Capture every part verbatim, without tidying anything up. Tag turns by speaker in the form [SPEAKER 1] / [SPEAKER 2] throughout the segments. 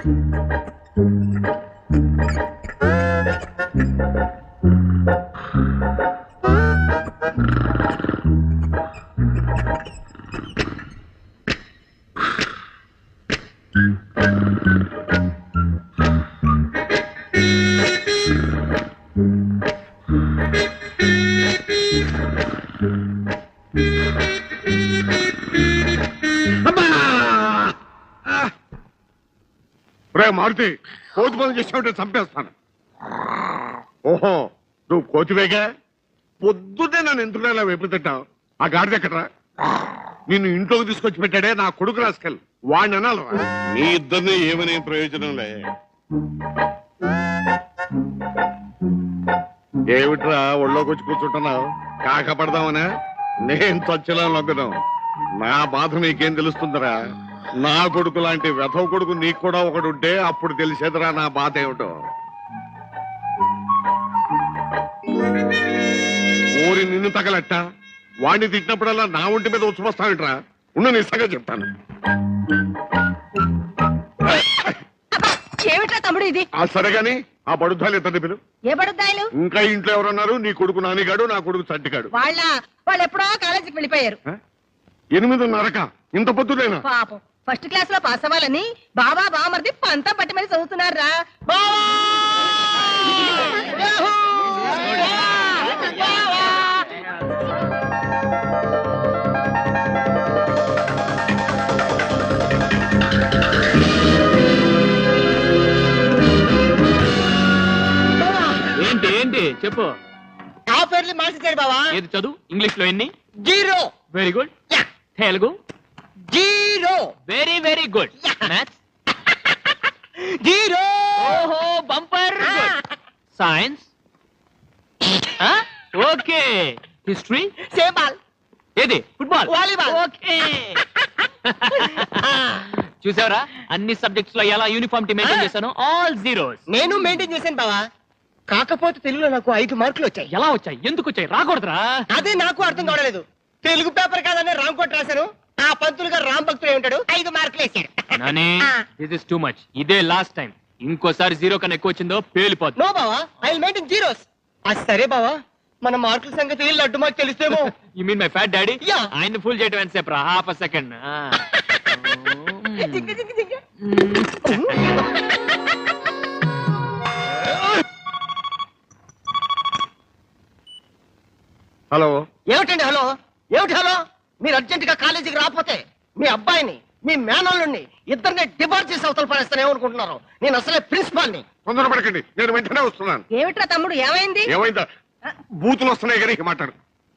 [SPEAKER 1] మారుతి కోతి పనులు చేసావుంటే చంపేస్తాను. ఓహో నువ్వు కోతివేగా, పొద్దున్నే నన్ను ఎందుకు ఇలా వెపులు తింటావు? ఆ గాడిద ఎక్కడరా? నిన్ను ఇంట్లోకి తీసుకొచ్చి పెట్టాడే నా కొడుకు రాసుకెళ్ళి వాడిని అనాలరా? నీ ఇద్దరిని ఏమనే ప్రయోజనం లే. ఏమిట్రా ఒళ్ళోకి వచ్చి కూర్చుంటున్నావు? కాకపడదామనా? నేను చచ్చలా లొగ్గను. నా బాధ నీకేం తెలుస్తుందిరా? నా కొడుకు లాంటి వెధవ కొడుకు నీకు కూడా ఒకడు ఉంటే అప్పుడు తెలిసేదిరా నా బాధ ఏమిటో. ఊరి నిన్ను తగలట్ట వాడిని తిట్టినప్పుడల్లా నా ఒంటి మీద ఉచ్చుకొస్తావిట్రా? ఉన్న నిస్సంగా చెప్తాను.
[SPEAKER 2] తమ్ముడు ఇది
[SPEAKER 1] సరేగాని ఆ బడుద్దాలు ఎంత పిలు?
[SPEAKER 2] ఏ బడుద్దాయలు?
[SPEAKER 1] ఇంకా ఇంట్లో ఎవరన్నారు? నీ కొడుకు నానిగాడు, నా కొడుకు చట్టిగాడు.
[SPEAKER 2] వాళ్ళ వాళ్ళు ఎప్పుడో కాలేజీకి వెళ్ళిపోయారు.
[SPEAKER 1] ఎనిమిదిన్నరక ఇంత పొద్దులేనా?
[SPEAKER 2] పాపం ఫస్ట్ క్లాస్ లో పాస్ అవ్వాలని బాబా బామర్ది పంతా పట్టి మరి చదువుతున్నారా?
[SPEAKER 3] ఏంటి ఏంటి చెప్పు.
[SPEAKER 4] ఆ పేర్లు మార్చేశాడు బావా.
[SPEAKER 3] ఏది చదువు? ఇంగ్లీష్ లో ఎన్ని?
[SPEAKER 4] Zero.
[SPEAKER 3] Very good. Telugu?
[SPEAKER 4] Zero.
[SPEAKER 3] Very very good. Maths?
[SPEAKER 4] Zero.
[SPEAKER 3] ఓహో bumper. Science? Okay. History?
[SPEAKER 4] Same ball.
[SPEAKER 3] ఏది? ఫుట్బాల్?
[SPEAKER 4] వాలీబాల్.
[SPEAKER 3] ఓకే. చూసావరా అన్ని సబ్జెక్ట్స్ లో ఎలా యూనిఫామ్ మెయింటైన్ చేశాను? All zeros.
[SPEAKER 4] నేను మెయింటైన్ చేశాను బావా. కాకపోతే తెలుగులో నాకు ఐదు మార్కులు వచ్చాయి.
[SPEAKER 3] ఎలా వచ్చాయి? ఎందుకు వచ్చాయి? రాకూడదురా.
[SPEAKER 4] అదే నాకు అర్థం కావలేదు. తెలుగు పేపర్ కాదని రామ్ కోట్ రాశాను. ఆ పంతులు గారు రామ్ భక్తులు ఉంటాడు, ఐదు మార్కులు వేసాడు.
[SPEAKER 3] Nani this is too much. ఇదే లాస్ట్ టైం. ఇంకోసారి జీరో కన్నా ఎక్కువ వచ్చిందో పేలిపోతుంది.
[SPEAKER 4] నో బావా, ఐ విల్ మెయింటైన్ జీరోస్. అది సరే బావా, మన మార్కుల సంగతి లడ్డు మాకు తెలుస్తేమో.
[SPEAKER 3] You mean my fat daddy?
[SPEAKER 4] Yeah.
[SPEAKER 3] ఆయన ఫుల్ చేయడం ఎంతసేపు రా? Half a second.
[SPEAKER 1] హలో.
[SPEAKER 4] ఏమిటండి హలో? ఏమిటి హలో? మీరు అర్జెంట్ గా కాలేజీకి రాకపోతే మీ అబ్బాయిని మీ మేనల్లుని ఇద్దరిని డిబార్ చేసి అవతల పడేస్తానేమనుకుంటున్నారు? నేను అసలే ప్రిన్సిపాల్ ని.
[SPEAKER 1] తొందరపడకండి, నేను వెంటనే వస్తున్నాను.
[SPEAKER 2] ఏమిట్రా తమ్ముడు ఏమైంది?
[SPEAKER 1] ఏమైందా? బూతులు వస్తున్నాయి కానీ మాట్లాడు.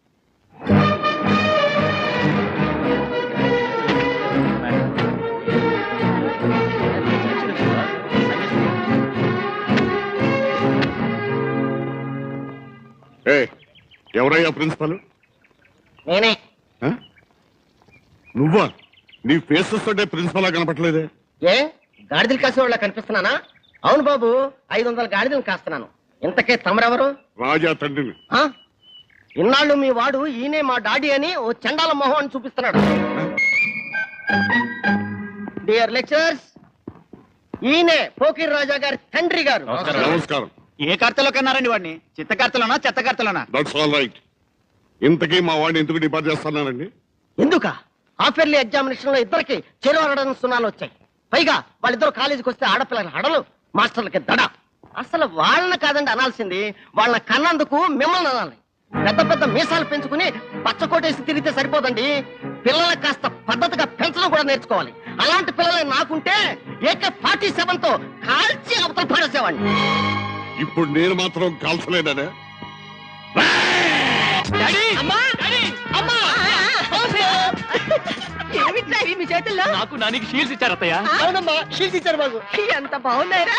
[SPEAKER 1] ఎవరయ్యా ప్రిన్సిపల్?
[SPEAKER 4] నేనే.
[SPEAKER 1] నువ్వా? నీ ఫేస్ చూస్తుంటే ప్రిన్సిపల్ లా కనపట్లేదే.
[SPEAKER 4] ఏ గాడిదలు కాసే వాళ్ళ కనిపిస్తున్నానా? అవును బాబు, ఐదు వందల గాడిదలు కాస్తున్నాను. ఇంతకే తమరెవరు?
[SPEAKER 1] రాజా తండ్రిని.
[SPEAKER 4] ఇన్నాళ్ళు మీ వాడు ఈయనే మా డాడీ అని ఓ చండాల మొహం అని చూపిస్తున్నాడు. డియర్ లెక్చరర్స్, ఈయనే పోకిర్ రాజా గారి తండ్రి గారు.
[SPEAKER 1] నమస్కారం.
[SPEAKER 5] ఏ కర్తలో కన్నారండి వాడిని? చిత్త కర్తలోనా చెత్త కర్తలోనా?
[SPEAKER 1] That's all right. ఇంతకీ మా వాడిని ఎందుకు డిపార్ట్ చేస్తున్నానండి?
[SPEAKER 4] ఎందుక? హాఫ్ ఇయర్లీ ఎగ్జామినేషన్ లో ఇద్దరికి చెరువు అడడం సున్నాలు వచ్చాయి. పైగా వాళ్ళిద్దరు కాలేజీకి వస్తే ఆడపిల్లల హడలు, మాస్టర్లకి దడ. అసలు వాళ్ళని కాదండి అనాల్సింది, వాళ్ళని కన్నందుకు మిమ్మల్ని అనాలి. పెద్ద పెద్ద మీసాలు పెంచుకుని పచ్చకోటేసి తిరిగితే సరిపోదండి. పిల్లలకు కాస్త పద్ధతిగా పెంచడం కూడా నేర్చుకోవాలి. అలాంటి పిల్లలే నాకుంటే ఏకే ఫార్టీ సెవెన్ తో కాల్చి అవతల పడేసేవాడిని.
[SPEAKER 1] ఇప్పుడు నేను మాత్రం కాల్చలేదనే.
[SPEAKER 2] మీ చేతుల్లో
[SPEAKER 3] నాకు నానికి షీల్డ్స్ ఇచ్చారు అత్తయ్య.
[SPEAKER 4] అవునమ్మా, షీల్స్ ఇచ్చారు మాకు.
[SPEAKER 2] ఎంత బాగున్నారా?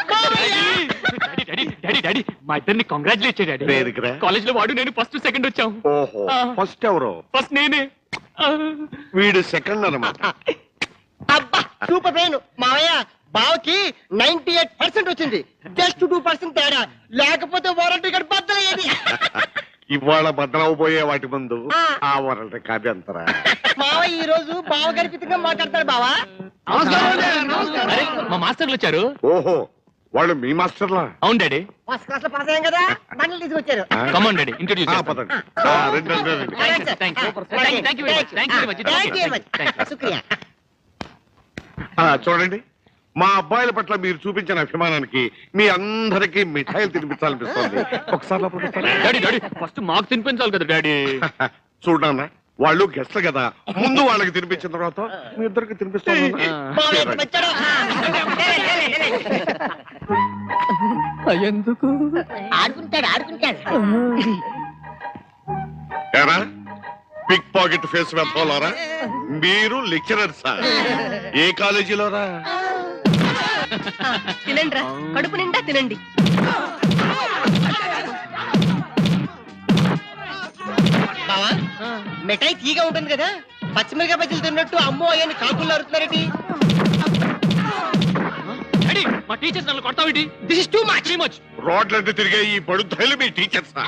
[SPEAKER 3] డాడీ డాడీ డాడీ మా ఇద్దరిని కంగ్రాచులేట్ చేయండి. కాలేజ్ లో వాడు నేను ఫస్ట్ సెకండ్ వచ్చాం.
[SPEAKER 1] ఓహో, ఫస్ట్ ఎవరు?
[SPEAKER 3] ఫస్ట్ నేనే.
[SPEAKER 1] వీడు సెకండ్ అన్నమాట.
[SPEAKER 4] అబ్బా సూపర్ పెయిన్ మావయ్య. బావకి నైన్టీ ఎయిట్ పర్సెంట్ వచ్చింది, జస్ట్ టూ పర్సెంట్ తేడా. లేకపోతే వారంటీ కార్డు బద్దలయ్యేది.
[SPEAKER 1] ఇవాళ బద్దలవబోయే వాటి ముందు ఆ వారంటీ కార్డు ఎంతరా?
[SPEAKER 4] మావయ్య ఈ రోజు బావ గర్భితంగా మాట్లాడతాడు బావా.
[SPEAKER 3] అరే మా మాస్టర్లు వచ్చారు.
[SPEAKER 1] ఓహో, వాళ్ళు మీ మాస్టర్లా?
[SPEAKER 3] అవును డాడీ.
[SPEAKER 4] ఫస్ట్ క్లాస్ లో పాస్ అయ్యాం కదా బండ్లు తీసుకొచ్చారు.
[SPEAKER 1] ఆ?
[SPEAKER 3] కమాన్ డాడీ, ఇంట్రొడ్యూస్
[SPEAKER 1] ఆ, పదండి. ఆ, రండి, రండి, రండి.
[SPEAKER 3] Thank you thank you very much thank you very much.
[SPEAKER 4] శుక్రియా.
[SPEAKER 1] ఆ, చూడండి, మా అబ్బాయిల పట్ల మీరు చూపించిన అభిమానానికి మీ అందరికీ మిఠాయిలు తినిపించాలనిపిస్తుంది. ఒకసారి లోపలికి వస్తారా?
[SPEAKER 3] డాడీ డాడీ ఫస్ట్ మాకు తినిపించాలి కదా డాడీ.
[SPEAKER 1] చూడన్నా, వాళ్ళు గెస్ట్లు కదా, ముందు వాళ్ళకి తినిపించిన తర్వాత మీ ఇద్దరికి తినిపిస్తాను.
[SPEAKER 4] బావ ఎంత వచ్చాడో.
[SPEAKER 3] ఎందుకు
[SPEAKER 4] ఆడుకుంటాడు ఆడుకుంటాడు.
[SPEAKER 1] ఏరా, పిక్ పాకెట్ ఫేస్ వెళ్తారా? మీరు లెక్చరర్సా? ఏ కాలేజీలోరా?
[SPEAKER 2] తినండి రా, కడుపు నిండా తినండి.
[SPEAKER 4] బావా మిఠాయి తీగా ఉంటుంది కదా, పచ్చిమిరకాయ బజ్జీలు తిన్నట్టు అమ్మో అయ్యని కాకులు అరుతున్నారేంటి?
[SPEAKER 3] డాడీ మా టీచర్స్ నన్ను కొడతావేంటి? This is too much too much.
[SPEAKER 1] రోడ్లంటే తిరిగే ఈ బడుద్దాయిలు మీ టీచర్సా?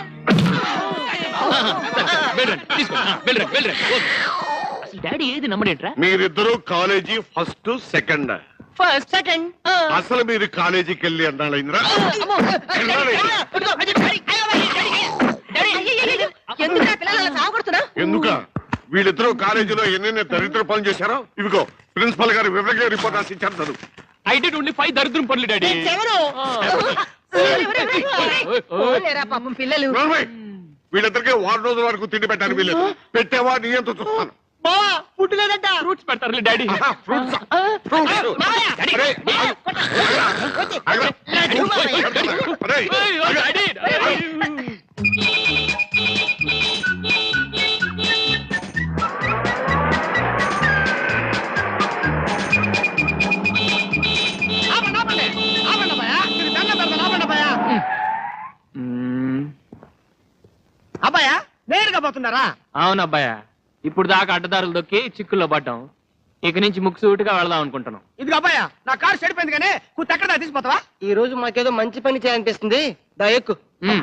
[SPEAKER 3] వెళ్ళండి తీసుకో, వెళ్ళండి వెళ్ళండి. అసలు డాడీ ఏది నమ్మడేంట్రా?
[SPEAKER 1] మీరిద్దరూ college first second.
[SPEAKER 2] First second.
[SPEAKER 1] అసలు మీరు కాలేజీకి వెళ్ళి అన్నాళ్ళైందిరా?
[SPEAKER 2] ఎందుకు పిల్లలు అలా సాగుతున్నా?
[SPEAKER 1] ఎందుక? వీళ్ళిద్దరూ కాలేజీలో ఎన్నెన్ని దరిద్ర పనులు చేశారో ఇవిగో ప్రిన్సిపల్ గారు వివరంగా రిపోర్ట్ రాసి ఇచ్చారు. చదువు.
[SPEAKER 3] ఐ డిడ్ ఓన్లీ ఫైవ్ దరిద్రం పనులు డాడీ.
[SPEAKER 2] లేరా పాపం పిల్లలు.
[SPEAKER 1] నోర్మై, వీళ్ళిద్దరికీ వారం రోజుల వరకు తిండి పెట్టాను. వీళ్ళు పెట్టేవా నీ ఎంత చూస్తాను.
[SPEAKER 4] బావా ఫుడ్ లేదంట.
[SPEAKER 3] ఫ్రూట్స్ పెడతారులే డాడీ.
[SPEAKER 1] ఫ్రూట్స్ ఫ్రూట్స్ అరే, ఆగు. అరే,
[SPEAKER 3] డాడీ
[SPEAKER 4] అబ్బాయా నేరుగా పోతున్నారా?
[SPEAKER 3] అవును అబ్బాయా, ఇప్పుడు దాకా అడ్డదారులు దొక్కి చిక్కుల్లో పడ్డాం. ఇక నుంచి ముక్కుసూటిగా వెళదాం అనుకుంటున్నాం.
[SPEAKER 4] ఇదిగో అబ్బాయా, నా కారు చెడిపోయింది కానీ కూత ఎక్కడ తీసిపోతావా? ఈ రోజు మాకేదో మంచి పని చేయాలనిపిస్తుంది. దా ఎక్కు.
[SPEAKER 3] మ్మ్.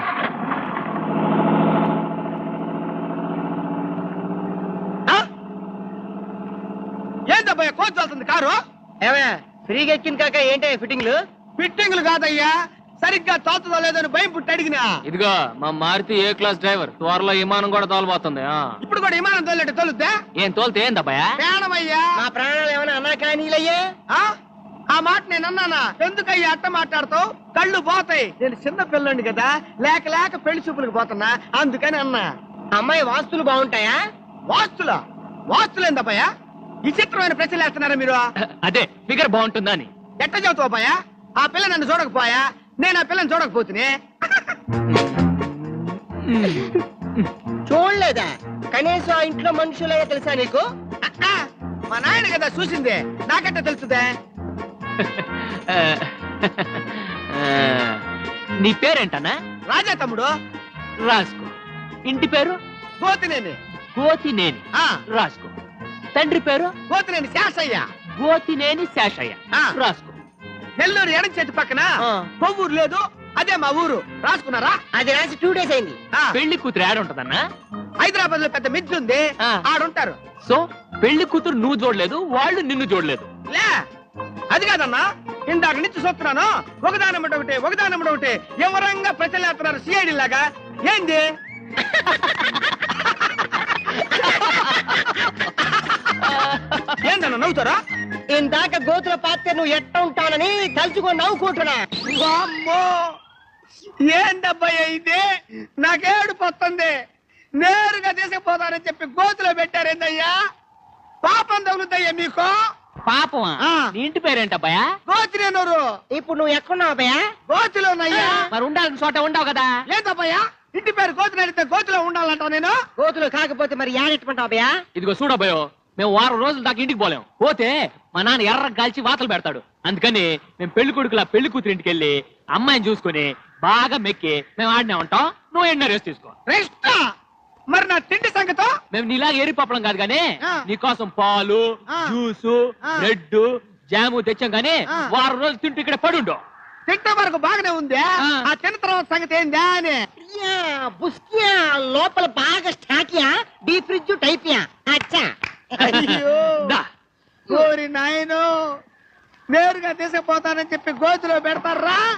[SPEAKER 4] ఏందబ్బాయా కోచ్ వెళ్తుంది కారు? ఏమయ్యా ఫ్రీగా ఎక్కింది కాక ఏంటే ఫిట్టింగ్లు? ఫిట్టింగ్లు కాదయ్యా, సరిగ్గా తోలుతుందో లేదని భయం పుట్టి అడిగినా.
[SPEAKER 3] ఇదిగో మా మారుతి ఏ క్లాస్ డ్రైవర్, త్వరలో విమానం కూడా తోలబోతుంది. ఆ.
[SPEAKER 4] ఇప్పుడు కూడా విమానం తోలేట తోలుద్దా?
[SPEAKER 3] ఏం తోలితే ఏందబ్బాయా?
[SPEAKER 4] ప్రాణమయ్యా. మా ప్రాణాలు ఏమైనా అన్నా కానీలయ్యా? ఆ మాట నేను అన్నానా? ఎందుకయ్యా అట్ట మాట్లాడతావు? కళ్ళు పోతాయి. నేను చిన్న పిల్లండి కదా, లేక లేక పెళ్లి చూపులకు పోతున్నా, అందుకని అన్నా. అమ్మాయి వాస్తులు బాగుంటాయా? వాస్తులా? వాస్తులు ఏందబ్బాయా? విచిత్రమైన ప్రశ్నలు వేస్తున్నారా మీరు?
[SPEAKER 3] అదే ఫిగర్ బాగుంటుందా అని.
[SPEAKER 4] ఎట్ట చదువుతావు అబ్బాయా? ఆ పిల్ల నన్ను చూడకపోయా, నేను ఆ పిల్లని చూడకపోతునే. చూడలేదా? కనీసం ఆ ఇంట్లో మనుషులే తెలుసా నీకు? మా నాయన కదా చూసిందే, నాకెట్ట తెలుసుదే?
[SPEAKER 3] నీ పేరేంటన్నా?
[SPEAKER 4] రాజా తమ్ముడు.
[SPEAKER 3] రాసుకో. ఇంటి పేరు?
[SPEAKER 4] గోతినేని.
[SPEAKER 3] గోతినేని.
[SPEAKER 4] ఆ,
[SPEAKER 3] రాసుకో. తండ్రి పేరు?
[SPEAKER 4] గోతినేని శాసయ్య.
[SPEAKER 3] గోతినేని శేషయ్య.
[SPEAKER 4] ఆ.
[SPEAKER 3] రాసుకో.
[SPEAKER 4] నెల్లూరు ఎడం చేతి పక్కన కొవ్వూరు లేదు, అదే మా ఊరు. రాసుకున్నారా? అది రాసి టూ డేస్ అయింది.
[SPEAKER 3] పెళ్లి కూతురు యాడ్ ఉంటదన్నా?
[SPEAKER 4] హైదరాబాద్ లో పెద్ద మిద్దు ఉంది,
[SPEAKER 3] ఆ.
[SPEAKER 4] ఆడుంటారు.
[SPEAKER 3] సో పెళ్లి కూతురు నువ్వు చూడలేదు, వాళ్ళు నిన్ను చూడలేదు.
[SPEAKER 4] లే అది కాదన్నా, ఇందాక నుంచి చూస్తున్నాను, ఒకదానమ్మట ఒకటి ఒకదానమ్మట ఒకటి ఎవరంగా ప్రజలేస్తున్నారు సిఐడి లాగా. ఏంది? ఏందన్నా నవ్వుతారా? ఇందాక గోతుల పాత్ర నువ్వు ఎట్ట ఉంటానని తలుచుకొని నవ్వుకుంటున్నా. అమ్మో ఏందబ్బాయి ఇది? నాకేడు పోతుంది. నేరుగా తీసుకుపోతానని చెప్పి గోతులో పెట్టారేందయ్యా? పాపం తగులుతాయ్యా మీకు?
[SPEAKER 3] పాపమా? నీ ఇంటి పేరేంటబ్బాయా?
[SPEAKER 4] గోతిరేనూరు. ఇప్పుడు నువ్వు ఎక్కడున్నావు అబ్బాయా? గోతిలో ఉన్నాయ్యా.
[SPEAKER 3] మరి ఉండాల్సిన చోట ఉండవు కదా?
[SPEAKER 4] లేదబ్బాయా, ఇంటి పేరు గోతులు అడిగితే గోతులో ఉండాలంటావు నేను. గోతులు కాకపోతే మరి యాడెట్టుకుంటావు అబ్బాయా?
[SPEAKER 3] ఇదిగో చూడబోయో, మేము వారం రోజుల దాకా ఇంటికి పోలేం. పోతే మా నాన్న ఎర్ర కాల్చి వాతలు పెడతాడు. అందుకని మేము పెళ్లి కొడుకులా పెళ్లి కూతురు ఇంటికి వెళ్ళి అమ్మాయిని చూసుకుని బాగా మెక్కి మేము ఆడినే ఉంటాం. నువ్వు ఎన్నో రెస్ట్ తీసుకో.
[SPEAKER 4] రెస్ట్? మరి నా తిండి సంగతో?
[SPEAKER 3] మేము నీలాగా ఏరిపప్పడం కాదు గానీ
[SPEAKER 4] ఆ.
[SPEAKER 3] నీకోసం పాలు,
[SPEAKER 4] ఆ.
[SPEAKER 3] జ్యూసు,
[SPEAKER 4] ఆ.
[SPEAKER 3] బ్రెడ్, జాము తెచ్చాం గానీ
[SPEAKER 4] ఆ.
[SPEAKER 3] వారం రోజులు తింటూ ఇక్కడ పడుండో.
[SPEAKER 4] తింటే వరకు బాగానే ఉంది.
[SPEAKER 3] ఆ.
[SPEAKER 4] ఆ తిన్న తర్వాత సంగతి ఏందా అని. లోపల బాగా స్టాకియా, డీ ఫ్రిడ్జ్ టైపియా. అచ్చా. అయ్యో
[SPEAKER 3] దా.
[SPEAKER 4] కోరి
[SPEAKER 6] నాయనో నేరుగా తీసుకుపోతానని చెప్పి గోతులో పెడతారా